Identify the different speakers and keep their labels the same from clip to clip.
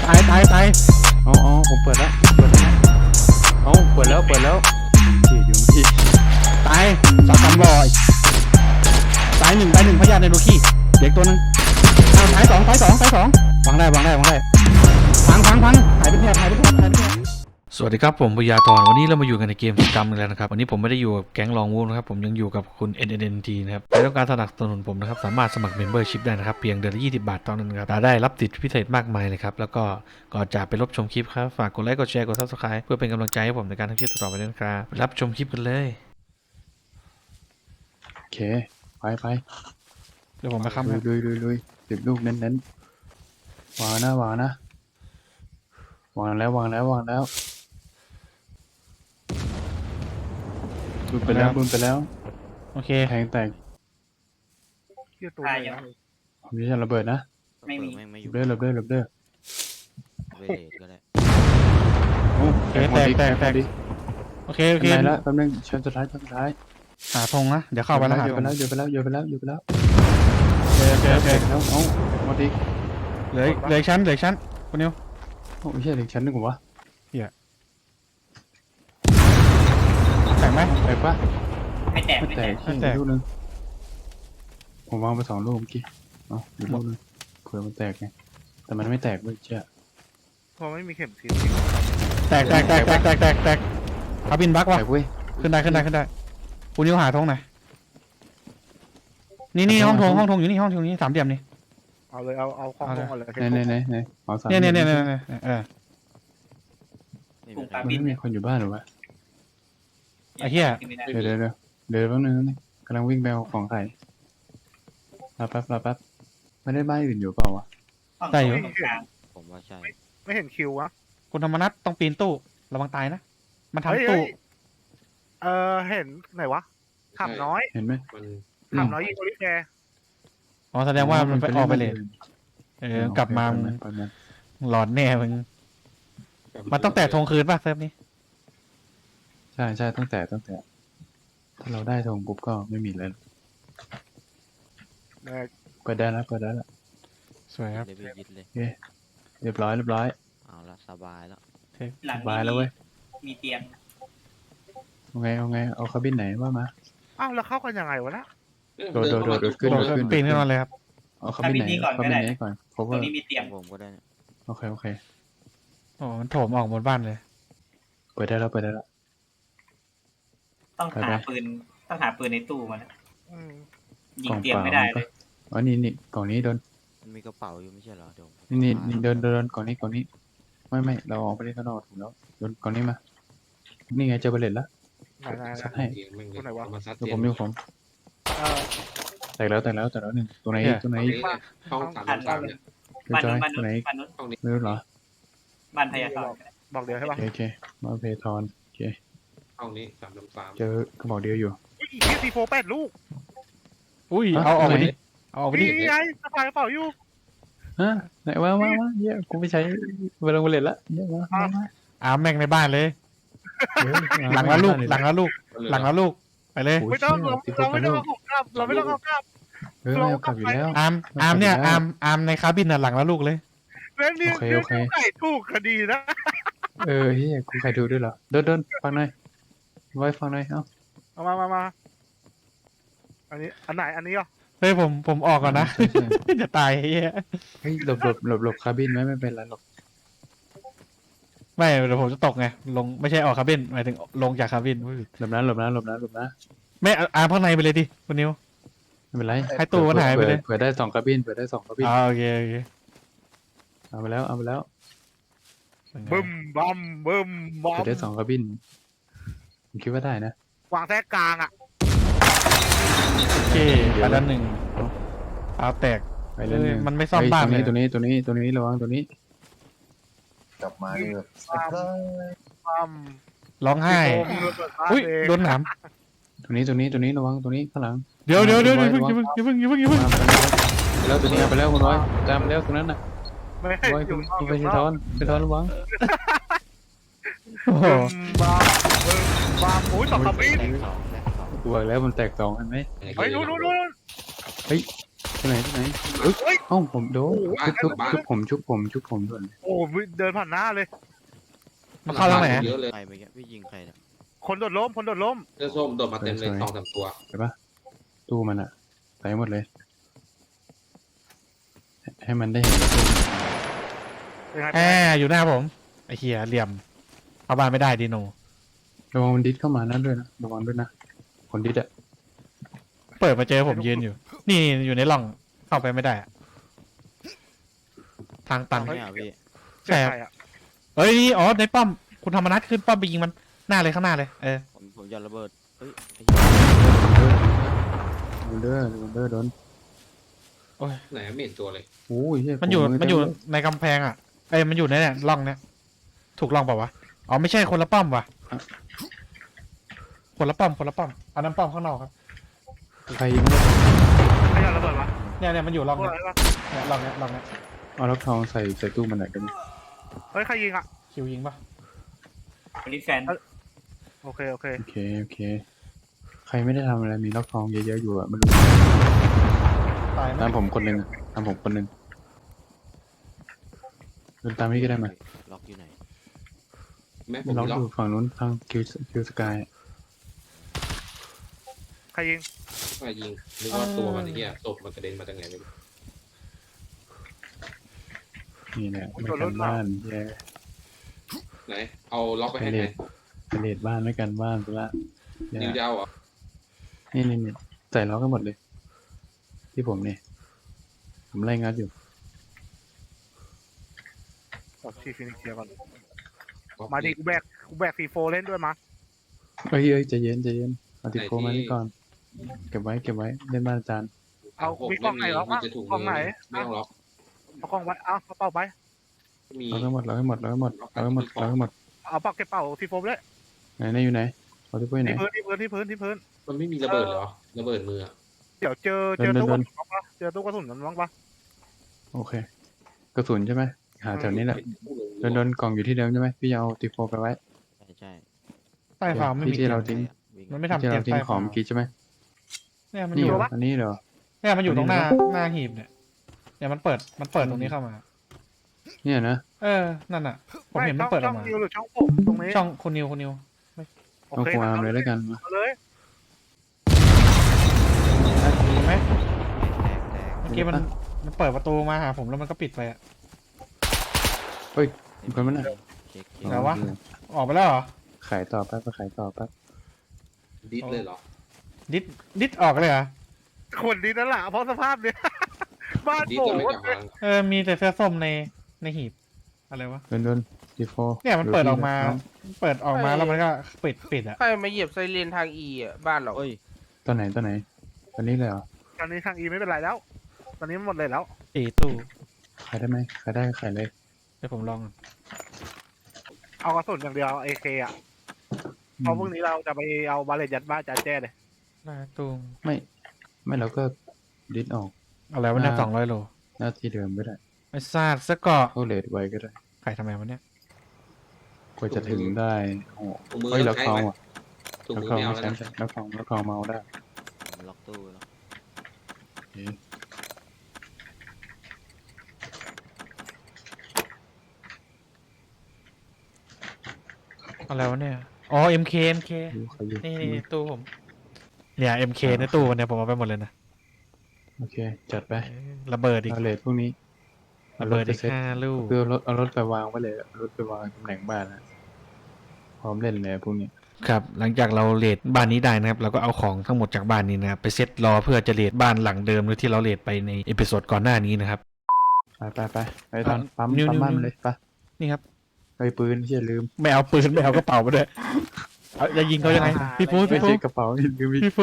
Speaker 1: ายอ๋อผมเปิดแล้วเอาเปิดแล้วฉีดอยู่พี่ตาย2-3 บ่อยตายหนึ่งพยาธิในโลคีเด็กตัวนึงตายสองวางได้พังหายไปแทบสวัสดีครับผมปุยาธรวันนี้เรามาอยู่กันในเกมสกรรมแล้วนะครับวันนี้ผมไม่ได้อยู่กับแก๊งลองวูฟนะครับผมยังอยู่กับคุณ NNT นะครับใครต้องการสนับสนุนผมนะครับสามารถสมัคร Membership ได้นะครับเพียงเดือนละ20 บาทเท่านั้นครับได้รับสิทธิพิเศษมากมายเลยครับแล้วก็ก่อนจะไปรับชมคลิปครับฝากกดไลค์กดแชร์กด Subscribe เพื่อเป็นกำลังใจให้ผมในการทำคลิปต่อไปด้วยนะครับรับชมคลิปกันเลยโอเคไปเดี๋ยวผมไปค้ำลุย10 ลูกเน้นวางนะวางแล้วบุญไปแล้วโอเคแทงแตกมีระเบิดนะ
Speaker 2: ไม่มี
Speaker 1: หลบเด้อ
Speaker 2: เวเลตก็ได้
Speaker 1: โอเคแตกโอเคไหนละแป๊บนึงชั้นสุดท้ายหาธงนะเดี๋ยวเข้าไปแล้วหาธงโยนไปแล้วโอเคแล้วเอาหมดอีกเหลืออีกชั้นคนเดียวโอ้ยเหลืออีกชั้นนึงวะเหี้ยแตกไหมแตกปะ
Speaker 2: ไม่แตก
Speaker 1: ลูกนึงผมวางไป2 ลูกเมื่อกี้อีกลูกนึงเผื่อมันแตกไงแต่มันไม่แตกเว้ยเจ้า
Speaker 3: พอไม่มีเข็มทิศ
Speaker 1: แตกคาบินบักวะขึ้นได้คุณนิ้วหาธงหน่อยนี่ห้องธงอยู่นี่ห้องธงนี้3 เหลี่ยมนี่
Speaker 3: เอาเลยเอาของธงก่อนเลย
Speaker 1: ไหนเอา3เนี่ยไม่มีคนอยู่บ้านหรอวะไอ้เหี้ยเดี๋ยวแป๊บนึงนี่กำลังวิ่งไปเอาของไข่รอแป๊บไม่ได้บ้านอื่นอยู่เปล่าวะได้อยู่
Speaker 2: ผมว่าใช่
Speaker 3: ไม่เห็นคิววะ
Speaker 1: คุณธรรมนัสต้องปีนตู้ระวังตายนะมันทำตู้
Speaker 3: เห็นไหนวะขับน้อย
Speaker 1: เห็นไหม
Speaker 3: ขับน้อยยิงโอลิแก
Speaker 1: อ๋อแสดงว่ามันไปออกไปเลยกลับมาหลอนแน่มึงมันต้องแตะธงคืนป่ะเซิร์ฟนี้ใช่ต้องแตะถ้าเราได้ธงปุ๊บก็ไม่มีแล้วเปิดได้แล้วสวยครับเรียบร้อย
Speaker 2: เอาละสบายแล้ว
Speaker 1: เว้ย
Speaker 2: มีเตียง
Speaker 1: เอาไงเอาคาบินไหนว่ามา
Speaker 3: แล้วเข้ากันยังไงวะนะ
Speaker 1: โดดขึ้นปีนขึ้นมาเลยครับเอาคาบินไหนก่อนเพราะว่า
Speaker 2: ตรงนี้มีเตียงผมก็ได้
Speaker 1: โอเคโอ้มันโถมออกบนบ้านเลยเปิดได้แล้ว
Speaker 2: ต้องหาปืนในตู้มานะยิงเตียงไม่ได้เลย
Speaker 1: อ๋อนี่กล่องนี้โดน
Speaker 2: มันมีกระเป๋าอยู่ไม่ใช่เหรอ
Speaker 1: นี่เดินกล่องนี้ไม่เราออกไปได้ข้างนอกถูกแล้วโดนกล่องนี้มานี่ไงเจอเบลเลตแล้วซัดให้
Speaker 3: ตัวไหนวะ
Speaker 1: ผมแตกแล้วหนึ่งตัวไหน
Speaker 4: ห้อง3 เนี่ย
Speaker 2: บ้าน
Speaker 1: ตัวไหนไม่รู้เหรอ
Speaker 2: บ้านพยาธร
Speaker 3: บอกเดียวใช่ปะ
Speaker 1: โอเคมาเพทอนโอเค
Speaker 4: ห้องนี้3
Speaker 1: เจอกระบอกเดียวอยู่
Speaker 3: ทีโฟ8 ลูก
Speaker 1: อุ้ยเอาออกไปดิ
Speaker 3: นี่ไงสะพายกระเป๋าอยู่
Speaker 1: ฮะไหนว่าเยอะกูไม่ใช้เวลาเล่นละเยอะมาแม่งในบ้านเลยหลังละลูกไปเลย
Speaker 3: ไม่ต้องเราไม่ต้องเอากลับเรากลับ
Speaker 1: อยู่แล้วอาร์มเนี่ยอาร์มในคาบินน่ะหลังละลูกเลย
Speaker 3: แล้วนี่ไก่ถูกคดีนะ
Speaker 1: เฮียกูใครดูด้วยเหรอเดินฟังหน่อยไว้ฟังหน่อย
Speaker 3: เอามาอันนี้เหรอ
Speaker 1: เฮ้ยผมออกก่อนนะจะตายเฮ้ยหลบคาบินไม่เป็นไรหรอกไม่เดี๋ยวผมจะตกไงลงไม่ใช่ออกคาบินหมายถึงลงจากคาบินหลบนะไม่อาร์ข้างในไปเลยดิคุณนิวไม่เป็นไรให้ตู้มันหายไปเลยเผื่อได้2 คาบินโอเคเอาไปแล้ว
Speaker 3: บึ้มบัมเผื่
Speaker 1: อได้2 คาบินผมคิดว่าได้นะ
Speaker 3: วางแท้กลาง
Speaker 1: โอเคไปแล้ว1เอาแตกไปเลยมันไม่ซ่อมบ้านเลยตัวนี้ระวังตัวนี้
Speaker 4: กลับมาเลย
Speaker 1: ร้องไห้อุ้ยโดนหนามตัวนี้ระวังตัวนี้ข้างหลังเดี๋ยวอย่าเพิ่งแล้วตัวนี้ไปแล้วคุณร้อยตามแล้วตรงนั้นน่ะ
Speaker 3: ไม่ให้อยู่
Speaker 1: ไปทอนระวัง
Speaker 3: บ้าโอ้ย2 คาบิน
Speaker 1: กูบอกแล้วมันแตก2เห็นไหม
Speaker 3: เฮ้ยนู่น
Speaker 1: เฮ้ยที่ไหนเอ้ยเอ้าผมโดนชุบผมด่วน
Speaker 3: โอ้เดินผ่านหน้าเลย
Speaker 5: มันเข้าทางไหน
Speaker 4: เยอะเลย
Speaker 6: ใครไปแกพี่ยิงใครเนี่ย
Speaker 3: คนโดดล้มคนโดดล้ม
Speaker 4: เสื้อส้มโดดมาเต็มเลย
Speaker 1: สวย
Speaker 4: 2-3 ตัว
Speaker 1: เห็นปะตู้มันอะไปหมดเลย ให้มันได้เห็น
Speaker 3: เป็นไง
Speaker 5: แอบอยู่หน้าผมไอ้เหี้ยเหลี่ยมเอาบ้านไม่ได้ดีโน
Speaker 1: ระวังมันดิสเข้ามานั่นด้วยนะระวังด้วยนะคนดิสอะ
Speaker 5: เปิดมาเจอผมยืนอยู่ นี่อยู่ในร่องเข้าไปไม่ได้อะทางตัน
Speaker 6: เนี่ยพี่
Speaker 5: ใช่ครับ
Speaker 3: ใครอะ
Speaker 5: เฮ้ยนี่อ๋อในป้อมคุณธรรมนัทขึ้นป้อมไปยิงมันหน้าเลยข้างหน้าเลย
Speaker 6: ผมยันระเบิดเฮ้ยไอ้
Speaker 1: โดนโดน
Speaker 4: ไหนไม่เห็นตัวเลย
Speaker 1: โอ้ยเหี้
Speaker 5: มันอยู่
Speaker 1: ขง
Speaker 5: มันอยู่
Speaker 1: เต็เล
Speaker 5: ในกำแพงอ่ะมันอยู่ในเนี่ยร่องเนี่ยถูกร่องเปล่าวะอ๋อไม่ใช่คนละป้อมว่ะคนละป้อมอันนั้นป้อมข้างนอกครับ
Speaker 1: ใครยิงเนี่ย
Speaker 3: ใครเอาระเบิดวะ
Speaker 5: เนี่ยมันอยู่ร่อง
Speaker 3: พวก
Speaker 5: เนี่ย
Speaker 3: อะไรวะ
Speaker 5: เนี่ยร่องเนี่ย
Speaker 1: เอาล็อกทองใส่ตู้มันหน่อยกัน
Speaker 3: เฮ้ยใครยิงอ่ะ
Speaker 5: คิวยิงปะ
Speaker 2: บริแฟน
Speaker 3: โอเค
Speaker 1: โอเคใครไม่ได้ทำอะไรมีล็อกทองเยอะๆอยู่อะไม่รู้
Speaker 5: ตายไหม
Speaker 1: ตามผมคนหนึ่งเดินตามพี่ก็ได้มา
Speaker 6: ล็อกอยู่ไหน
Speaker 4: แม่ผม
Speaker 1: ล็อก
Speaker 4: ล็อ
Speaker 1: อก ยู่ฝั่งนู้นทางคิวสกาย
Speaker 3: ใครยิง
Speaker 4: ไปยิงนึกว่าตัวมันไอ้เหี้ยศพมันกระเด็นมาจากไหนไม่รู้
Speaker 1: นี่แหละไม่กันบ้านแย่
Speaker 4: ไหนเอาล็อกไป
Speaker 1: ไป
Speaker 4: ให้
Speaker 1: เล
Speaker 4: ไหน
Speaker 1: ดไปเลดบ้านไม่กันบ้านไปละแย่
Speaker 4: นิวดาวเหรอ
Speaker 1: นี่ใส่ล็อกกันหมดเลย ที่ผมเนี่ยผมไล่งัดอยู่
Speaker 3: บอกชีฟินิกเกียร์ก่อนมาดิกูแบกC4 เล่นด้วยมา
Speaker 1: เอ้ยใจเย็นเอาติดโฟมานี่ก่อนเก็บไว้เล่นบ้านอาจารย์
Speaker 3: เอามีกล้องไหนล็อก
Speaker 4: มี
Speaker 3: วะ
Speaker 4: จะถูก
Speaker 3: กล้องไหน
Speaker 4: ไม่ต้องล็อก
Speaker 3: เอากล้องไว้เอากระเป๋าไป
Speaker 4: มี
Speaker 1: ล็อกให้หมดเอาเก็บเป่าC4เลยไหนอยู่ไหนเอาที่ปุ้ยไหน
Speaker 3: ที่พื้น
Speaker 4: มันไม่มีระเบิดเหรอระเบิดมืออะ
Speaker 3: เดี๋ยวเจอ
Speaker 1: เดิน
Speaker 3: ตู้กระสุนบ้างปะเจอตู้กระสุนมันบ้างปะ
Speaker 1: โอเคกระสุนใช่ไหมหาแถวนี้แหละโดนกล่องอยู่ที่เดิมใช่ไหมพี่เอาติดโฟไปไว้
Speaker 6: ใช่
Speaker 5: ใต้ฟาร์มไม่มี
Speaker 1: ที่เราทิ้ง
Speaker 6: วิ่ง
Speaker 5: มันไม่ทำ
Speaker 1: ที่
Speaker 5: เตีย
Speaker 1: เรา
Speaker 5: ง
Speaker 1: ทิ้ง
Speaker 5: ใต้
Speaker 1: ขอ
Speaker 5: ฟาง ร์ม
Speaker 1: เมื่อกี้ใช่ไหม
Speaker 5: เนี่ยมันอ
Speaker 1: นี่
Speaker 5: ยู่
Speaker 1: เหรออันนี้เหรอ
Speaker 5: เนี่ยมันอยู่ตรงหน้าหีบเนี่ยมันเปิดตรงนี้เข้ามา
Speaker 1: เนี่ยนะ
Speaker 5: นั่นอ่ะผมเห็นมันเปิดอ
Speaker 3: ช่
Speaker 5: อ
Speaker 3: อก ง
Speaker 5: มา
Speaker 3: นิวหรือช่องผมตรงนี้
Speaker 5: ช่องคุณนิว
Speaker 3: โอ
Speaker 1: เอา
Speaker 3: เค
Speaker 1: ควาร์มเลยแล้วกันมา
Speaker 3: เอาเลย
Speaker 5: เห็นไหม
Speaker 6: แตก
Speaker 5: เมื่อกี้มันเปิดประตูมาหาผมแล้วมันก็ปิดไปอ่ะ
Speaker 1: มีคนมันน่ะ
Speaker 6: เช็ค
Speaker 5: ไหนวะ ออกไปแล้วเหรอ
Speaker 1: ขายต่อแป๊บขายต่อแป๊บ
Speaker 4: ดิสเลยเหรอ
Speaker 5: ดิดออกเลยเหรอ
Speaker 3: คนดีนั่นแหละเพราะสภาพเนี้ยบ้าน
Speaker 4: ดิส
Speaker 3: โผ
Speaker 4: จะไม่
Speaker 3: ล่
Speaker 4: กลับมา
Speaker 5: มีแต่เสื้อส้มในหีบอะไรวะ
Speaker 1: โดนติดโฟ
Speaker 5: เนี่ยมันเปิดออกมาแล้วมันก็ปิดอ่ะ
Speaker 7: ใครมาเหยียบไซเรนทางอีอ่ะบ้านเรา
Speaker 6: เอ้ย
Speaker 1: ตอนไหนตอนนี้เลยเหรอ
Speaker 3: ตอนนี้ทางอีไม่เป็นไรแล้ว ตอนนี้หมดเลยแล้ว
Speaker 5: ตู้
Speaker 1: ขายได้ไหมขายได้ขายเลย
Speaker 5: เดี๋ยวผมลอง
Speaker 3: เอากระสุนอย่างเดียวเอเคอ่ะเพราะพรุ่งนี้เราจะไปเอาบาเลตยัดบ้านจ่าแจ้เลย
Speaker 5: หน้าตู้
Speaker 1: ไม่เราก็ดิสออก
Speaker 5: อะไรวะเนี่ย200 โล
Speaker 1: หน้าที่เดิมก็ได้
Speaker 5: ไอ้ซาดซะเกาะ
Speaker 1: เข้าเลทไว้ก็ได้
Speaker 5: ไข่ทำไมวะเนี่ย
Speaker 1: กว่าจะถึงได้โอ้
Speaker 4: ถุงมือ
Speaker 1: เฮ้ย
Speaker 4: ต้
Speaker 1: ล็
Speaker 4: อ
Speaker 1: อง ก
Speaker 4: ใช้
Speaker 1: ทอง
Speaker 4: ไหม
Speaker 1: ว่ะ
Speaker 4: ถุง
Speaker 1: ล็อก
Speaker 4: มือ
Speaker 1: ทอง
Speaker 4: ไม่เอา
Speaker 1: ไม่
Speaker 4: แล้ว
Speaker 1: ใช่
Speaker 4: นะ
Speaker 1: ล็อกทองเมาได้
Speaker 6: ผมล็อกตู้แล้ว
Speaker 5: อะไรวะเนี่ยอ๋อ MK
Speaker 1: ดูเขาอยู่
Speaker 5: นี่ตู้ผมเนี่ย MK ในตู้เนี่ยผมเอาไปหมดเลยนะ
Speaker 1: โอเคจัดไประ
Speaker 5: เบิดอีก
Speaker 1: เอาเลทพวกนี้
Speaker 5: ระเบิดอีก
Speaker 1: เซ็ต
Speaker 5: 5 ลูก
Speaker 1: คือเอารถไปวางไว้เลยเอารถไปวางตำแหน่งบ้านนะพร้อมเล่นเลยพวกนี้
Speaker 5: ครับหลังจากเราเลดบ้านนี้ได้นะครับเราก็เอาของทั้งหมดจากบ้านนี้นะครับไปเซตรอเพื่อจะเลดบ้านหลังเดิมหรือที่เราเลดไปในเอพิโซดก่อนหน้านี้นะครับ
Speaker 1: ไปตอนปั๊ม
Speaker 5: นิ้ว
Speaker 1: บ้านมาเลยไป
Speaker 5: นี่ครับ
Speaker 1: ไปปืนที่อย่าลืม
Speaker 5: ไม่เอาปืนไม่เอากระเป๋ามาด้วยเอาจะยิงเขายังไงพี่ฟู
Speaker 1: ไม่
Speaker 5: พี่ฟู
Speaker 1: ใช่กระเป๋าอย่าลืมอีก
Speaker 5: พี่ฟู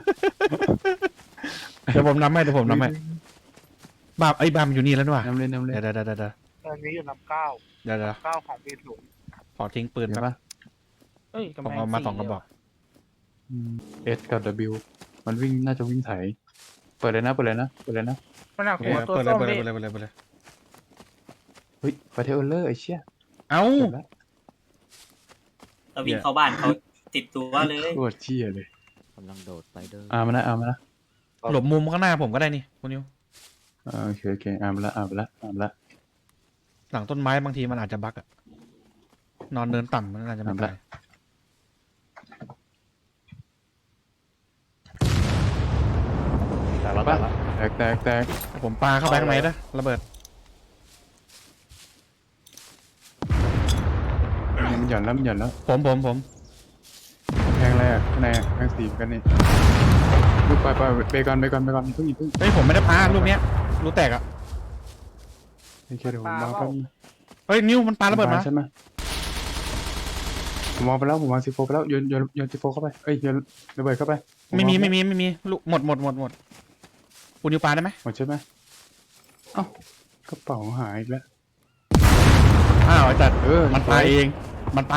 Speaker 5: เดี๋ยวผมนำให้บ้านบ้านมันอยู่นี่แล้วนี่หว่า
Speaker 1: น้ำเล่น
Speaker 5: เดี๋ยว
Speaker 3: ตอนนี้อยู่นับเก้า
Speaker 5: เดี๋ยว
Speaker 3: เก้าของปีศูนย์
Speaker 5: ขอทิ้งปืน
Speaker 1: เห็น
Speaker 5: แป๊บ
Speaker 1: ปะ
Speaker 7: เอ้ย
Speaker 5: ผมเอามา2 กระบอก
Speaker 1: S กับ W มันวิ่งน่าจะวิ่งไถเปิดเลยนะ
Speaker 7: มันหนัก
Speaker 5: โอเค
Speaker 7: หัวตัว
Speaker 5: เปิดเล
Speaker 7: ส้
Speaker 5: ย
Speaker 7: ม
Speaker 5: เปิดเล
Speaker 7: นี่
Speaker 5: ยเปิดเลยเปิดเลยเปิดเลย
Speaker 1: เฮ้ยประเทศเออร์เลอร์ไอ้เชี่ย
Speaker 5: เอ้า
Speaker 1: เปิดแล้ว
Speaker 2: เราวิ่งเข้าบ้านเขาติดตัวเลย
Speaker 1: โคตรเชี่ยเลย
Speaker 6: กำลังโดดไปเด้อ
Speaker 1: เอามานะ
Speaker 5: หลบมุมข้างหน้าผมก็ได้นี่คุณนิว
Speaker 1: โอเคโอเคอ่านไปละอ่านไปละอ่านไปละ
Speaker 5: หลังต้นไม้บางทีมันอาจจะบั๊กอะนอนเนินต่ำมันอาจจะไม่ตาย
Speaker 3: แต่แล้ว
Speaker 1: ปะ
Speaker 3: แต่ละ
Speaker 1: แตก
Speaker 5: ผมปาเข้าไปข้างในนะระเบิด
Speaker 1: มันหย่อนแล้วมันหย่อนแล้ว
Speaker 5: ผม
Speaker 1: แทงอะไรอ่ะข้างในอ่ะแทงสีเหมือนกันนี่ลูกไปเบคอนเพิ่งอีก
Speaker 5: เฮ้ยผมไม่ได้ปาลูกเนี้ยลูกแตกอะ
Speaker 1: โอเคเดี๋ยวผมวางแป๊บนึง
Speaker 5: เฮ้ยนิ้วมันปาระเบิดมา
Speaker 1: ใช่ไหมผมวางไปแล้วผมวางซีโฟไปแล้วโยนซีโฟเข้าไปเอ้ยโยนระเบิดเข้าไป
Speaker 5: ไม่มีลูกหมดคุณนิ้วปาได้ไหม
Speaker 1: หมดใช่ไหมเอ้ากระเป๋าหายอีกแล้ว
Speaker 5: อ้าวไอ้จัด มันปา
Speaker 1: โ
Speaker 5: เอง
Speaker 1: อเค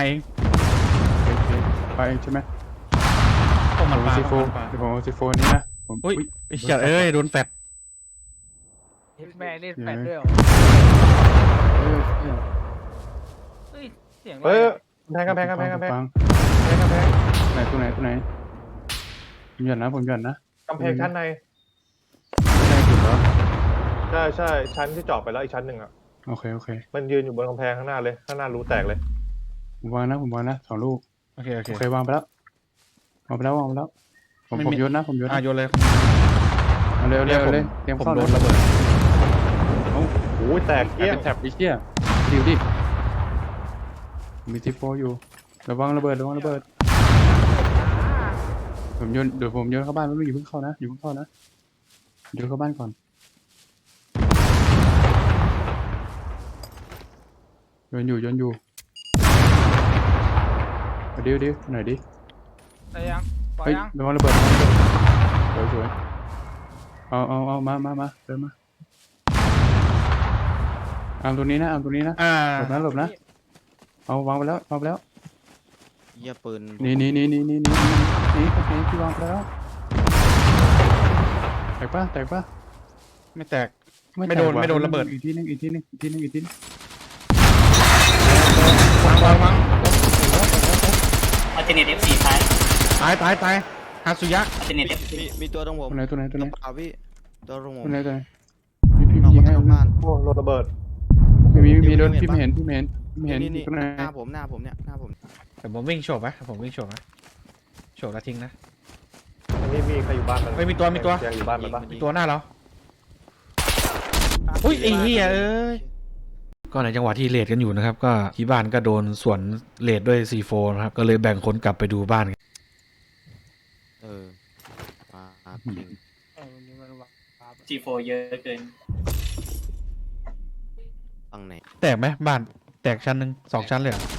Speaker 1: ไปเองใช่ไหม
Speaker 5: พวกมันปา
Speaker 1: ซีโฟ
Speaker 5: พวกมันปา
Speaker 1: เดี๋ยวผมเอาซีโฟนี่นะผม
Speaker 5: อุ้ยไอ้เหี้ยเอ้ยโดนแฟด
Speaker 7: แม่เล่นแฟนด้วยเหรอ
Speaker 1: เอ้ย
Speaker 7: เฮ้ยเสียงอะไร
Speaker 3: เฮ้ย
Speaker 7: อะ
Speaker 3: กำแพง
Speaker 1: ฟังไหนตัวไหนผมหย่อนนะ
Speaker 3: กำแพงชั้นใน
Speaker 1: ไม่ได้จุดแล้ว
Speaker 3: ใช่ชั้นที่เจาะไปแล้วอีกชั้นหนึ่งอ่ะ
Speaker 1: โอเค
Speaker 3: มันยืนอยู่บนกำแพงข้างหน้าเลยข้างหน้ารูแตกเลย
Speaker 1: ผมวางนะ2 ลูก
Speaker 5: โอเค
Speaker 1: โอเควางไปแล้วผมโยนนะ
Speaker 5: โยนเลย
Speaker 1: เอาเร็วเตรียม
Speaker 5: ผม
Speaker 1: เข้า
Speaker 5: โด
Speaker 1: นะ
Speaker 5: นระเบิด
Speaker 3: โอ้ยแตก
Speaker 1: แอ
Speaker 3: เกี้ย
Speaker 1: บ
Speaker 3: ง
Speaker 1: เป็นแท็บดิเชี่ยดิมีซีโฟอยู่ระวังระเบิดผมโยนเดี๋ยวผมโยนเข้าบ้านไม่ต้องอยู่เพิ่งเข้านะโยนเข้าบ้านก่อนโยนอยู่ดิวหน่อยดิ
Speaker 7: ได้ยังปล่อย
Speaker 1: เฮ้ย
Speaker 7: ยัง
Speaker 1: ระวังระเบิดสวยเอามาเดินมาเอาตัวนี้นะ หลบนะเอาวางไปแล้ว
Speaker 6: เหี้ยปืน
Speaker 1: นี่ที่วางไปแล้วแตกปะ
Speaker 5: ไม่แตก
Speaker 1: แตก
Speaker 5: ไม่โดน
Speaker 1: ว่
Speaker 5: ไม่โดนระเบิด
Speaker 1: อีกทีนึง
Speaker 5: วาง
Speaker 2: อัลเทเนต F4 ท้าย
Speaker 5: ตายฮาสุยะ
Speaker 2: อัลเทเนต F4
Speaker 6: มีตัวตรงผม
Speaker 1: ตัวไหน
Speaker 6: ตัวเปล่าพี่ตัวตรงผม
Speaker 1: พี่
Speaker 6: นอก
Speaker 1: ยิงให้
Speaker 6: บ้าน
Speaker 3: โอ้รถระเบิด
Speaker 1: มีโดนพี่ไม่เห็น
Speaker 6: นี่
Speaker 1: ตัวไหน
Speaker 6: หน้าผมเนี่ยหน้าผม
Speaker 5: แต่ผมวิ่งโฉบนะโฉบแล้วทิ้งนะ
Speaker 3: อันนี้มีใครอยู่บ้านมัน
Speaker 5: เฮ้ยมีตัว
Speaker 3: ยังอยู่บ้านมันปะ
Speaker 5: มีตัวหน้าเราอุ้ยไอ้เหี้ยเอ้ยก็ในจังหวะที่เลดกันอยู่นะครับก็ที่บ้านก็โดนสวนเลดด้วย C4 นะครับก็เลยแบ่งคนกลับไปดูบ้าน
Speaker 6: ปาจริง
Speaker 7: วันนี้มันวาง
Speaker 2: G4 เยอะเกิน
Speaker 6: ตั้งไหน
Speaker 5: แตกไหมบ้านแตกชั้นหนึ่ง2 ชั้นเลยเหรอ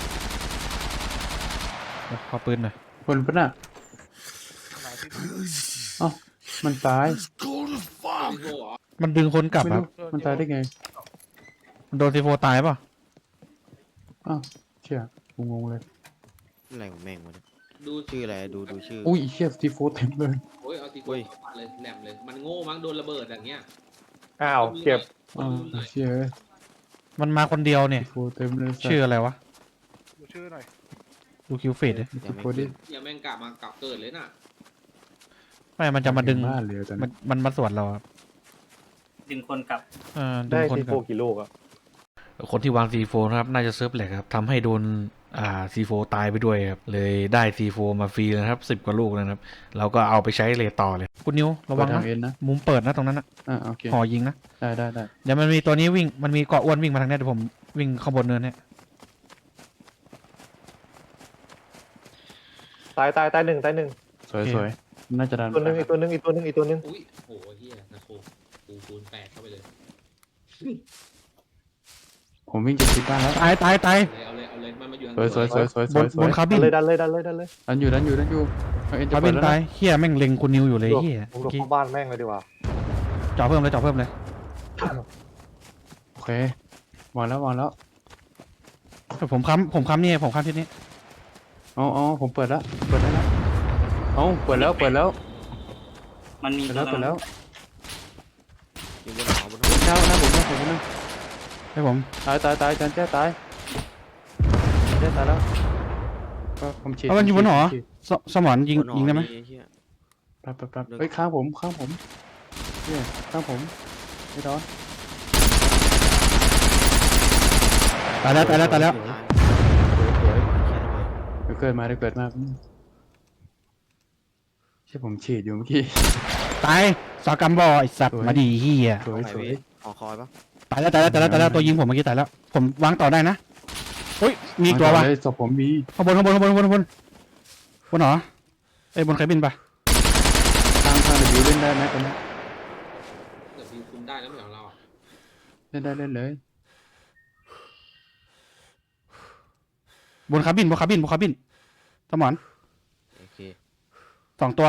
Speaker 5: เดี๋ยวขอปืนหน่อย
Speaker 1: คนปะน่ะ
Speaker 7: ไหนที่
Speaker 1: มันตาย
Speaker 5: มันดึงคนกลับ
Speaker 1: ไม่
Speaker 5: ครับ
Speaker 1: รู้มันตายได้ไง
Speaker 5: มันโดน C4 ตายป่ะ
Speaker 1: อ้าวเชี่ยกูงงเลย
Speaker 6: อะไรของแม่งวะเนี่ย
Speaker 4: ดู
Speaker 6: ชื่ออะไรดูชื่อ
Speaker 1: อุ้ยเชี่ยซีโฟเต็มเลย
Speaker 4: โอ้ยเอาตีโก้เข้ามาเลยแหลมเลย มันโง่มั้งโดนระเบิดอย่างเงี้ย
Speaker 3: อ้าวเก็บ
Speaker 1: อ้าวเชี่ย
Speaker 5: มันมาคนเดียวเนี่ย
Speaker 1: ซีโฟเต็มเลย
Speaker 5: ชื่ออะไรวะ
Speaker 7: ดูชื่อหน่อย
Speaker 5: ดูคิวเฟดดิ
Speaker 6: ยัง
Speaker 1: ซี
Speaker 6: ไม่
Speaker 1: โฟดิ
Speaker 4: อย่าแม่งกลับมาเกิดเลยน่ะ
Speaker 5: ไม่มันจะมาดึง
Speaker 1: บ้านเลยตอน
Speaker 5: มั
Speaker 1: นี้
Speaker 5: มันมาสวนเราครับ
Speaker 2: ดึงคนกลับ
Speaker 5: ดึ
Speaker 3: ได้
Speaker 5: งคน
Speaker 3: ซี
Speaker 5: ก
Speaker 3: โฟ
Speaker 5: ลับ
Speaker 3: กี่ลูกอ่ะ
Speaker 5: คนที่วาง C4 นะครับน่าจะเซิร์ฟแหลกครับทำให้โดนC4 ตายไปด้วยครับเลยได้ C4 มาฟรีนะครับ10 กว่าลูกนะครับเราก็เอาไปใช้เลทต่อเลยคุณนิวระวัง
Speaker 1: ทา
Speaker 5: นะ
Speaker 1: งเอ็นนะ
Speaker 5: มุมเปิดนะตรงนั้นนะ
Speaker 1: โอเค
Speaker 5: หอยิงนะ
Speaker 1: ได้
Speaker 5: เดี๋ยวมันมีตัวนี้วิ่งมันมีเกาะอ้วนวิ่งมาทางเนี้ยเดี๋ยวผมวิ่งข้างบนเนินเนี่ย
Speaker 3: ตายหนึ่ง
Speaker 1: สวยน่าจะดัน
Speaker 3: ตัวหนึ่งอีกตัวหนึ่ง
Speaker 4: อุ้ยโหเฮียนะโคกูคูณ8เข้าไปเลย
Speaker 1: ผมวิ่งจะคิดบ้านแล้ว
Speaker 5: ตาย
Speaker 4: เอาเลยมันมาอยู่ทาง
Speaker 1: สวย
Speaker 5: บนคาบิน
Speaker 3: ดันเลย
Speaker 1: ดันอยู่เอ็นจะ
Speaker 5: คา
Speaker 1: เปิ
Speaker 5: บิ
Speaker 1: ด
Speaker 5: น
Speaker 1: แล้ว
Speaker 5: ตาย
Speaker 1: นะ
Speaker 5: เฮียแม่งเล็งคุณนิวอยู่เลยเฮีย
Speaker 3: ผมหลบเข้าบ้านแม่งเลยดีกว่า
Speaker 5: จ่อเพิ่มเลย
Speaker 1: โอเควางแล้ว
Speaker 5: ผมค้ำนี่ผมค้ำที่นี้
Speaker 1: อ๋อผมเปิดแล้วเปิดแล้วเปิดแล้ว
Speaker 2: มันมี
Speaker 1: อยู่บนหอบน
Speaker 6: อยู่บนหัว
Speaker 1: หน้าผมนะ
Speaker 5: ให้ผม
Speaker 1: ตายจันแจ้ตายแล้วก็ผมฉีด
Speaker 5: เอามันอยู่บนหอสมอนยิงได้ไหม
Speaker 6: เหี้ย
Speaker 1: ปั๊บเฮ้ยข้างผมเนี่ยข้างผมไม่โดนตายแล้วตายแล้วตายแล้ว
Speaker 6: ตาย
Speaker 1: สวย
Speaker 6: เขียนระเบิด
Speaker 1: เดี๋ยวเกิดมาเดี๋ยวเกิดมาใช่ผมฉีดอยู่เมื่อกี้ตายสากรรมบอไอสัตว์มาดีเฮีย
Speaker 6: ตรงไหนพี่หอคอยปะ
Speaker 1: ตายแล้วตายแล้วตายแล้วตายแล้วตัวยิงผมเมื่อกี้ตายแล้วผมวางต่อได้นะเฮ้ยมีอีกตัววะ
Speaker 8: ศพผมมี
Speaker 1: ข้างบนบนเหรอไอ้ยบนใครบินปะ
Speaker 8: ทางวิวเล่นได้ไหมตอนนี้
Speaker 4: เดี๋ยววิวคุมได้แล้วไม่เหรอเราอะ
Speaker 8: เล่นได้เล่นเลย
Speaker 1: บนคาบินสมอน
Speaker 6: โอเค
Speaker 1: สองตัว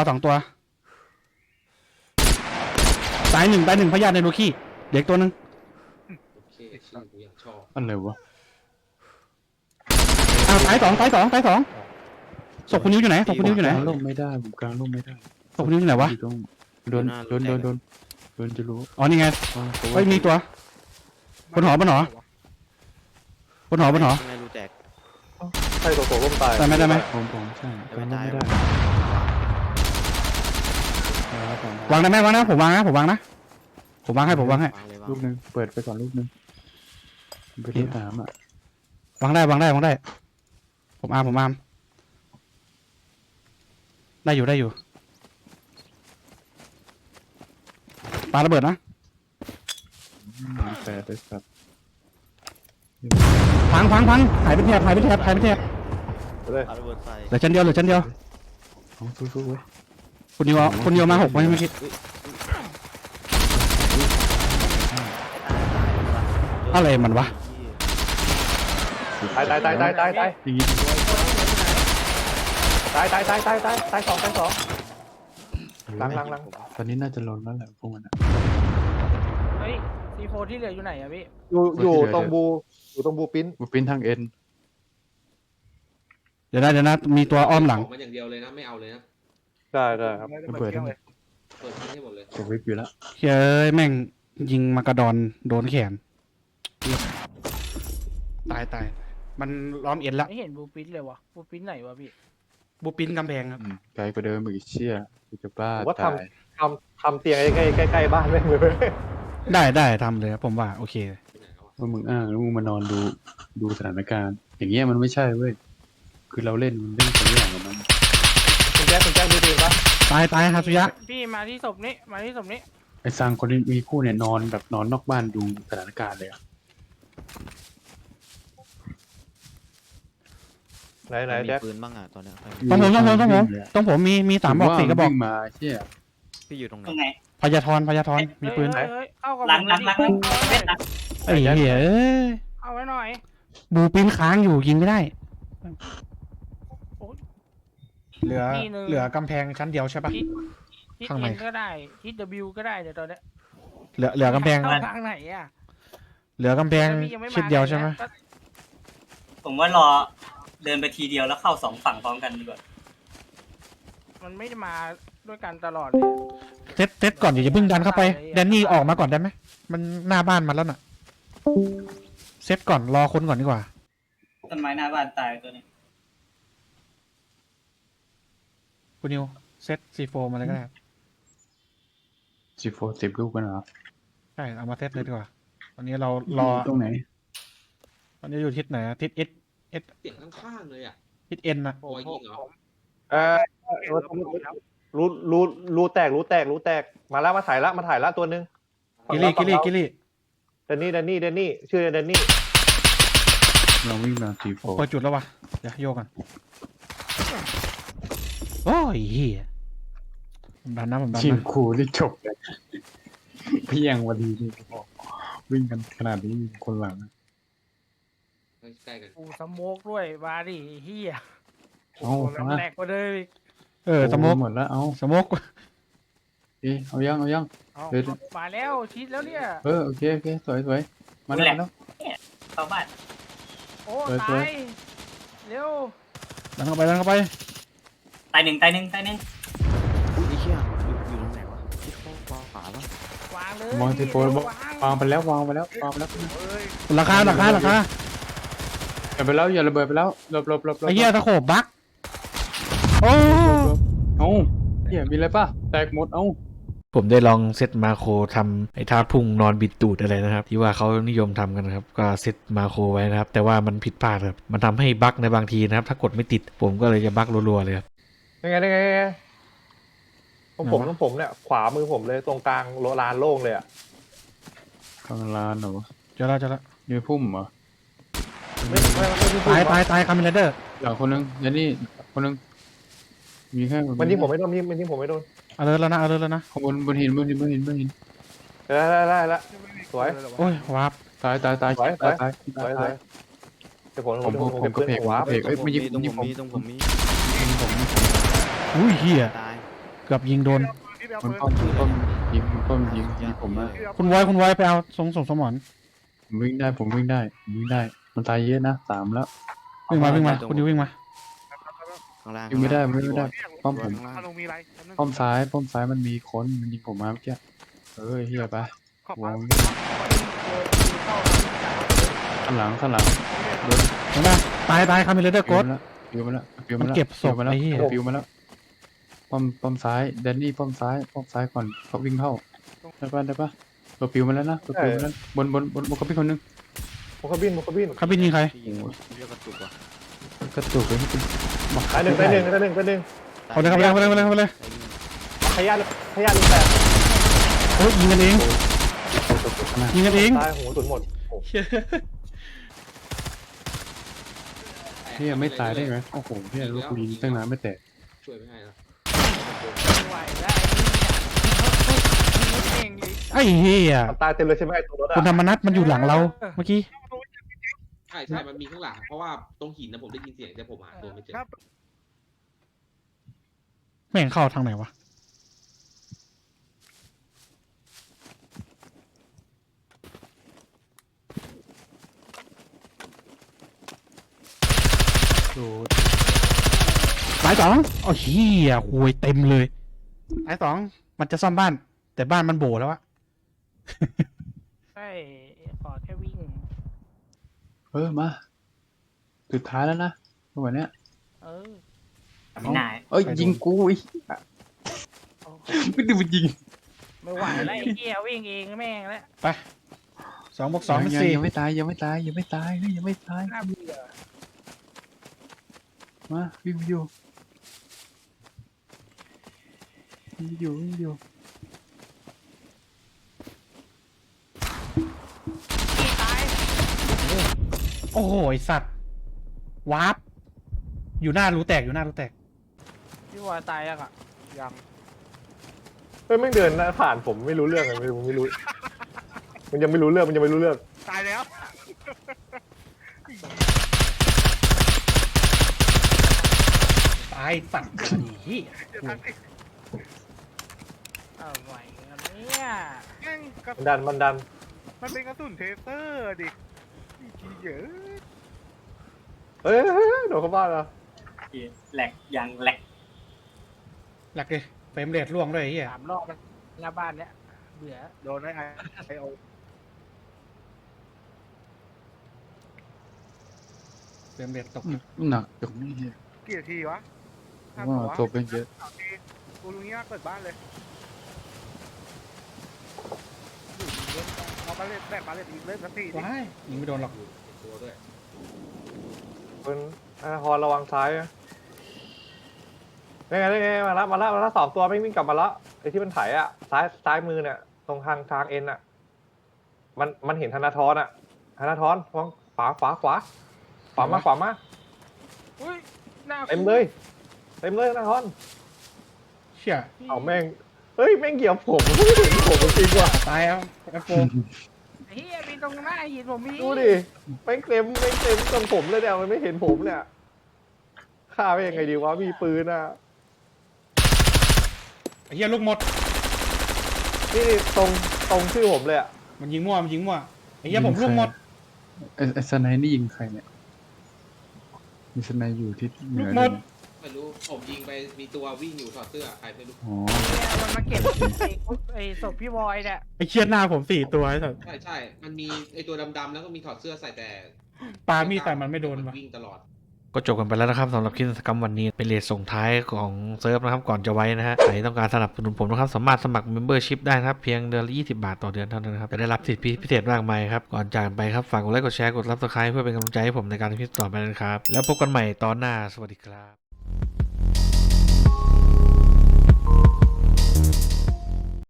Speaker 1: ตายหนึ่งพยาธิในโลคีเด็กตัวหนึ่ง
Speaker 4: โอเคชื่อกูยังชอบ
Speaker 8: อะไรวะ
Speaker 1: อ้าวตายสองศพคุณนิ้วอยู่ไหนศพคุณนิ้วอยู่ไหน
Speaker 8: กลางร่มไม่ได้ผมกลางร่มไม่ได้
Speaker 1: ศพคุณนิ้วอยู่ไหนวะ
Speaker 8: อยู่ตรงโดนจะรู้
Speaker 1: อ๋อนี่ไง
Speaker 8: อ๋อ
Speaker 1: เฮ้ยมีตัวบนหอ
Speaker 6: ข้างในรูแตก
Speaker 3: ใช่ตัวโตล้มตาย
Speaker 1: ได้ไหม
Speaker 8: ผมใช่กลางร่มไม่ได้
Speaker 1: วางได้ไหมวางนะผมวางให้ผมวางให้
Speaker 6: วางเลยวาง
Speaker 8: ลูกนึงเปิดไปก่อนลูกนึงไปที่สามอ่ะ
Speaker 1: วางได้ผมอาร์มได้อยู่ปาระเบิดนะ
Speaker 8: แต่ได้สับ
Speaker 1: พังหายเป็นแถบ
Speaker 6: ปาระเบิดใส่
Speaker 1: เหลือชั้นเดียว
Speaker 8: เอาสู้ๆเว้ย
Speaker 1: คุณนิวมา6ไหมเมื่อกี้ อะไรมันวะ
Speaker 3: ตาย
Speaker 8: อย่างงี้
Speaker 3: ตายสองหลัง
Speaker 8: ตอนนี้น่าจะลงแล้วแหละพวกมัน
Speaker 7: เฮ้ยซีโฟที่เหลืออยู่ไหนอะพี่
Speaker 3: อยู่ตรงบูปิ้น
Speaker 8: บูปิ้นทางเอ็น
Speaker 1: เดี๋ยวนะมีตัวอ้อมหลัง
Speaker 4: ขมันอย่างเดียวเลยนะไม่เอาเลยนะ
Speaker 3: ได้ครับ
Speaker 8: ระเบิดทั้ง
Speaker 4: เปิดทิ้งให้หมดเลย
Speaker 8: กดวิบอยู่แล้ว
Speaker 1: เฮ้ยแม่งยิงมากระดอนโดนแขนตายมันล้อมเอ็นละ
Speaker 7: ไม่เห็นบูปินเลยวะบูปินไหนวะพี่
Speaker 1: บูปินกำแพงครับ
Speaker 8: ไกลกว่าเดิมอีกเชี่ยกูจะบ้า
Speaker 3: ผมว่า
Speaker 8: ตาย
Speaker 3: ทำเตียงใกล้บ้านแม่งเลย
Speaker 1: ได้ทำเลยครับผมว่าโอเค
Speaker 4: ที่ไหนแล้วอะ
Speaker 8: ว่ามึงอ้างแล้วมึงมานอนดูสถานการณ์ อย่างเงี้ยมันไม่ใช่เว้ยคือเราเล่นคนละอย่างกับมัน
Speaker 3: คุณแจ๊คดูดีปะ
Speaker 1: ตายฮาซุยะ
Speaker 7: พี่มาที่ศพนี้
Speaker 8: ไอ้ซังคนที่มีคู่เนี่ยนอนแบบนอนนอกบ้านดูสถานการณ์เลยอะ
Speaker 3: ไหน
Speaker 6: มี
Speaker 3: แจ๊ค
Speaker 6: ปืนบ้างอ่ะตอนเนี้ยใคร
Speaker 1: ต้องผมมี3 บอก 4 กระบอก
Speaker 8: วิ่งมาเชี่ย
Speaker 6: พี่อยู่ตรงไหน
Speaker 2: ตรงไหน
Speaker 1: พยาธรมีปืน
Speaker 7: เฮ้ยเข้ากับ
Speaker 2: หลัง
Speaker 7: ผม
Speaker 2: เม็ดหลัง
Speaker 1: ไอ้เหี้ย
Speaker 7: เอาไว้หน่อย
Speaker 1: บูปินค้างอยู่ยิงไม่ได้
Speaker 5: เหลือกำแพงชั้นเดียวใช่ปะ
Speaker 7: ทิศ
Speaker 5: ข้างใน
Speaker 7: เอ็นก็ได้ทิศ W ก็ได้เดี๋ยวตอนเนี้ย
Speaker 1: เหลือกำแพง
Speaker 7: เข้าทางไหนอะ
Speaker 1: เหลือกำแพง
Speaker 7: พี่ยังไม่มา
Speaker 1: ชิดเดียวใช่ไหม
Speaker 7: ก็
Speaker 2: ผมว่ารอเดินไปทีเดียวแล้วเข้า2 ฝั่งพร้อมกันดีกว่า
Speaker 7: มันไม่ได้มาด้วยกันตลอดเลย
Speaker 1: เซตก่อนอย่าเพิ่งดันเข้าไปแดนนี่ออกมาก่อนได้ไหมมันหน้าบ้านมันแล้วน่ะเซตก่อนรอคนก่อนดีกว่า
Speaker 2: ต้นไม้หน้าบ้านตายตัวนี้
Speaker 1: คุณนิวเซตC4มาเลยก็ได้
Speaker 8: C4 10 ลูกกันเหรอ
Speaker 1: ใช่เอามาเซตเลยดีกว่าตอนนี้เรารอ
Speaker 8: ตรงไหน
Speaker 1: ตอนนี้อยู่ทิศไหนทิศ S
Speaker 4: เสียงข้างๆเลยอ่ะ
Speaker 1: ทิศ N นะ
Speaker 4: รอยยิงเหรอ
Speaker 3: รูแตกมาแล้วมาถ่ายละตัวนึง
Speaker 1: กิลี่
Speaker 3: เดนนี่ชื่อเดนนี่
Speaker 8: เราวิ่งมา C4
Speaker 1: เปิดจุดแล้ววะเดี๋ยวโยกกันโอ้ยเฮียผมดันนะ
Speaker 8: ทีมครูที่จบเลยพี่ยังวันดีนี่บอกวิ่งกันขนาดนี้คนหลัง
Speaker 4: ใกล้ๆกัน
Speaker 7: กูสโมกด้วยมาดิเฮีย
Speaker 8: เอามา
Speaker 7: แหลกกว่าเดิมอีก
Speaker 1: สโมก
Speaker 8: หมดแล้วเอา
Speaker 1: สโมก
Speaker 8: เอายัง
Speaker 7: เอา
Speaker 8: เดี๋ยว
Speaker 7: มาแล้วชิดแล้วเนี่ย
Speaker 8: โอเคสวยมาแล้ว
Speaker 2: เข้าบ้าน
Speaker 7: โอ้
Speaker 8: สวย
Speaker 7: ตายเร็ว
Speaker 1: ดันเข้าไป
Speaker 2: ตายหนึ่ง
Speaker 6: อุ้ยไอ้เชี่ยอยู่ตรงไหนวะที่เขาวางฝาปะ
Speaker 7: วางเลย
Speaker 8: มองที่โฟนวางไปแล้ว
Speaker 7: เอ้ย
Speaker 1: ราคา
Speaker 8: อย่าไปแล้วอย่าระเบิดไปแล้วหลบ
Speaker 1: ไอ้เหี้ยตะโขบบักโอ้
Speaker 8: เอาเหี้ยมีอะไรป่ะแตกหมดเอา
Speaker 5: ผมได้ลองเซตมาโครทำไอ้ท่าพุ่งนอนบิดตูดอะไรนะครับที่ว่าเขานิยมทำกันนะครับก็เซตมาโครไว้นะครับแต่ว่ามันผิดพลาดครับมันทำให้บั๊กในบางทีนะครับถ้ากดไม่ติดผมก็เลยจะบั๊กรัวๆเลยครับ
Speaker 9: ยังไงตรงผมเนี่ยขวามือผมเลยตรงกลางลานโล่งเลยอ่ะ
Speaker 8: ข้างร้านเหรอวะ
Speaker 1: เจอแล้วเจอแล้ว
Speaker 8: นี่พุ่มเหรอ
Speaker 1: ตายคามิเลเดอร์
Speaker 8: อย่างคนนึงยันนี่คนนึงมีแค่
Speaker 9: มันยิงผมไม่โดนมันยิงผมไม่โดน
Speaker 1: เอาเลยแล้วนะ
Speaker 8: ข้างบนหินบนหิน
Speaker 9: ได้ละสวย
Speaker 1: โอ้ยวาร์ป
Speaker 8: ตาย
Speaker 9: สวยเดี๋ยวผม
Speaker 8: กระเพก
Speaker 9: วาร์ป
Speaker 8: เอ้ยไม่ยิง
Speaker 6: ตรง
Speaker 8: ยิง
Speaker 6: ผมมีตรงผมมี
Speaker 1: อุ้ยเฮีย
Speaker 6: ตาย
Speaker 1: เกือบยิงโดน
Speaker 3: ที่เดียว
Speaker 8: มัน
Speaker 3: ปืน
Speaker 8: ป้อมยิงผมมา
Speaker 1: คุณไว้ไปเอาทรงสมอน
Speaker 8: ผมวิ่งได้มันตายเยอะนะ3แล้ว
Speaker 1: วิ่งมาคุณดิววิ่งมา
Speaker 6: ข้างล่าง
Speaker 8: วิ่งไม่ได้ป้อมผม
Speaker 3: มาลงมีอะไร
Speaker 8: ป้อมซ้ายมันมีคนมันยิงผมมาเมื่อกี้เฮียไป
Speaker 3: ขอบ
Speaker 8: ว
Speaker 3: มาง
Speaker 8: ข้างหลัง
Speaker 1: เห็นป่ะตายคามิเลเดอร์กด
Speaker 8: ปิวมาแล้ว
Speaker 1: มันเก็บศพไอ้เหี้ย
Speaker 8: ปิวมาแล้วป้อมซ้ายแดนนี่ป้อมซ้ายก่อนเขาวิ่งเข้าได้ปะตัวปิวมาแล้วนะตัวปิวมาแล้วบนเขาพี่คนนึง
Speaker 9: ผมก็บิน
Speaker 1: คาบินยิงใคร
Speaker 6: ยิงเรียกกระตุกว่ะ
Speaker 8: กระตุกเลยที่เป็น
Speaker 9: ตายหนึ่ง
Speaker 1: เอาเลยเข้าไปเลย
Speaker 9: ขยันลูกแปด
Speaker 1: โอ้ยยิงกันเอง
Speaker 9: ตายหูสุดหมด
Speaker 8: เฮียไม่ตายได้ไหมโอ้โหเฮียลูกลิงตั้งนานไม่แตก
Speaker 4: ช่วยไม่ให้นะ
Speaker 7: ไม่ไหวแล้วไอ้นี่เองเลย
Speaker 1: ไอ้เฮีย
Speaker 9: ตายเต็มเลยใช่ไหมตัวรถ
Speaker 1: คุณ
Speaker 9: อ่ะ
Speaker 1: ธรรมนัทมันอยู่หลังเราเมื่อกี้
Speaker 4: ใช่มันมีข้างหลังเพราะว่าตรงหินนะผมได้ยินเสียงแต่ผมหาตัวไม่เจอ
Speaker 1: แม่งเข้าทางไหนวะสาย2โอ้เฮียโวยเต็มเลยสาย2มันจะซ่อมบ้าน แต่บ้านมันโบแล้วอะ
Speaker 7: ใช่ขอแค่วิ่ง
Speaker 8: มาสุดท้ายแล้วนะวันเนี้ย
Speaker 7: เออ
Speaker 2: ไม่น่า
Speaker 8: ยิงกูอีกไม่ได้ไปยิง
Speaker 7: ไม่ไหวแล้วไอ้เหี้ยวิ่งเองแม่งแล้ว
Speaker 1: ไป2+2เป็น4
Speaker 8: ยังไม่ตายไม่ตาย
Speaker 7: น่าเบื่อ
Speaker 8: มาวิ่งอยู่
Speaker 7: พี่ตาย
Speaker 1: โอ้โหไอ้สัตว์วาร์ปอยู่หน้ารูแตก
Speaker 7: พี่วอยตายยังอ่ะ
Speaker 3: ยัง
Speaker 9: แม่งเดินผ่านผมไม่รู้เรื่องเลยไม่รู้มันยังไม่รู้เรื่อง
Speaker 3: ตายแล้ว
Speaker 1: ตายสัตว์เหี้ย
Speaker 7: เอาไหวกันเนี่ย
Speaker 3: แม่งกระ
Speaker 9: มันดัน
Speaker 3: มันเป็นกระสุนเทเซอร์ดิขี้เยอะ
Speaker 9: เฮ้ยโดนเข้าบ้านแล้ว
Speaker 2: แหลกยังแหลก
Speaker 1: หลักเลยเฟรมเรทล่วงด้วยไอ้เหี้ย
Speaker 7: 3 รอบแล้วหน้าบ้านเนี้ยเบื่อ
Speaker 3: โดนไอโอ
Speaker 1: เฟรมเรทตก
Speaker 8: หนักตรงนี้เฮีย
Speaker 3: กี่นาทีวะ
Speaker 8: ว่าตัวเป็นเยอะ
Speaker 3: กูรู้งี้ว่าเปิดบ้านเลยเอามาเล่นแบบมาเล่นอีกเล่นสักทีดิ
Speaker 1: ว้ายยิงไม่โดนหรอก
Speaker 4: ตัวด้วย
Speaker 9: เป็นฮอนระวังซ้ายนี่ไงมาแล้ว2 ตัวไม่วิ่งกลับมาแล้วไอ้ที่มันไถอ่ะซ้ายมือเนี่ยตรงทางเอ็นอ่ะมันเห็นธนาธรอ่ะธนาธรมองขวามา
Speaker 7: อุ้ยหน้า
Speaker 9: เต็มเลยธนาธร
Speaker 1: เชี่ย
Speaker 9: เอาแม่งแม่งเหยียบผมไม่เห็นผมจริงว่ะ
Speaker 1: ตายเอาแอปโฟ
Speaker 7: เฮียมีตรงหน้าหินผมมี
Speaker 9: ดูดิแม่งเต็มตรงผมเลยเนี่ยมันไม่เห็นผมเนี่ยฆ่าไปยังไงดีวะมีปืนอ่ะ
Speaker 1: ไอ้เหี้ยลูกหมด
Speaker 9: นี่ตรงชื่อผมเลยอ่ะ
Speaker 1: มันยิงมั่วไอ้เหี้ยผมลูกหมด
Speaker 8: ไอ้สไนนี่ยิงใครเนี่ยมีสไนอยู่ที่เหนื
Speaker 1: ลู
Speaker 8: อก
Speaker 1: หมด
Speaker 4: ไม่รู้ผมยิงไปมีตัววิ่งอยู่ถอดเสื้อใครไม่รู้
Speaker 8: อ๋อ
Speaker 7: เนี่ยมันมาเก็บไอ้ศพพี่วอยเนี่ย
Speaker 1: ไอ้เชี่ยหน้าผม4 ตัวไอ้สัส
Speaker 4: ใช่มันมีไอตัวดำๆแล้วก็มีถอดเสื้อใส่แต่
Speaker 1: ปามีดใส่มันไม่โดนวะ
Speaker 4: วิ่งตลอด
Speaker 5: ก็จบกันไปแล้วนะครับสำหรับคลิปกิจกรรมวันนี้เป็นเรทส่งท้ายของเซิร์ฟนะครับก่อนจะไว้นะฮะใครต้องการสนับสนุนผมนะครับสามารถสมัคร Membership ได้นะครับเพียงเดือนละ20 บาทต่อเดือนเท่านั้นนะครับจะได้รับสิทธิพิเศษมากมายครับก่อนจากกันไปครับฝากกดไลค์กดแชร์กด Subscribe เพื่อเป็นกำลังใจให้ผมในการทำคลิปต่อไปนะครับแล้วพบกันใหม่ตอนหน้าสวัสดีครับ